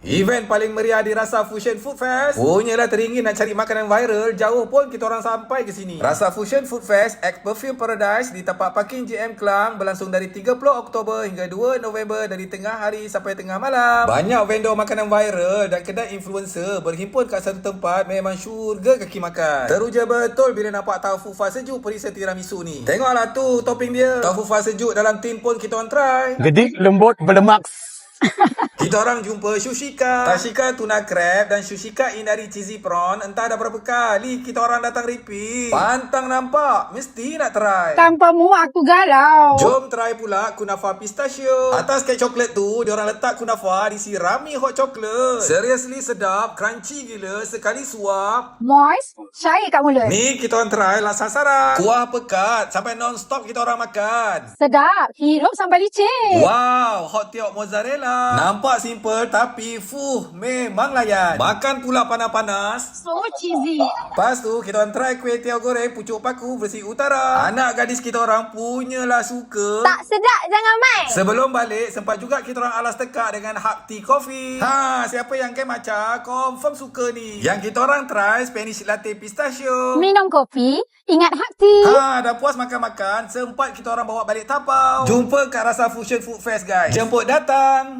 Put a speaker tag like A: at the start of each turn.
A: Event paling meriah di Rasa Fusion Food Fest. Punyalah teringin nak cari makanan viral, jauh pun kita orang sampai ke sini. Rasa Fusion Food Fest at Perfume Paradise di tempat parking JM Klang berlangsung dari 30 Oktober hingga 2 November dari tengah hari sampai tengah malam. Banyak vendor makanan viral dan kedai influencer berhimpun kat satu tempat, memang syurga kaki makan. Teruja betul bila nampak taufu fa sejuk perisa tiramisu ni. Tengoklah tu topping dia. Taufu fa sejuk dalam tin pun kita orang try.
B: Gedik, lembut, berlemak.
A: Kita orang jumpa Shushika, Tashika tuna crab dan Shushika inari cheesy prawn. Entah dah berapa kali kita orang datang repeat. Pantang nampak, mesti nak try.
C: Tanpamu aku galau.
A: Jom try pula kunafa pistachio. Atas kek coklat tu, diorang letak kunafa disirami hot chocolate. Seriously sedap, crunchy gila, sekali suap.
C: Moist, cair kat mulut.
A: Ni kita orang try lah sasaran. Kuah pekat, sampai non-stop kita orang makan.
C: Sedap, hirup sampai licin.
A: Wow, hot tiok mozzarella. Nampak simple tapi memang layan. Makan pula panas-panas.
C: So cheesy.
A: Lepas tu kita orang try kuih tiaw goreng pucuk paku versi utara. Anak gadis kita orang punyalah suka.
C: Tak sedap, jangan main.
A: Sebelum balik sempat juga kita orang alas tekak dengan Hak Tea Coffee. Siapa yang game macam confirm suka ni. Yang kita orang try Spanish latte pistachio.
C: Minum kopi, ingat hak tea.
A: Dah puas makan-makan, sempat kita orang bawa balik tapau. Jumpa kat Rasa Fusion Food Fest guys. Jemput datang.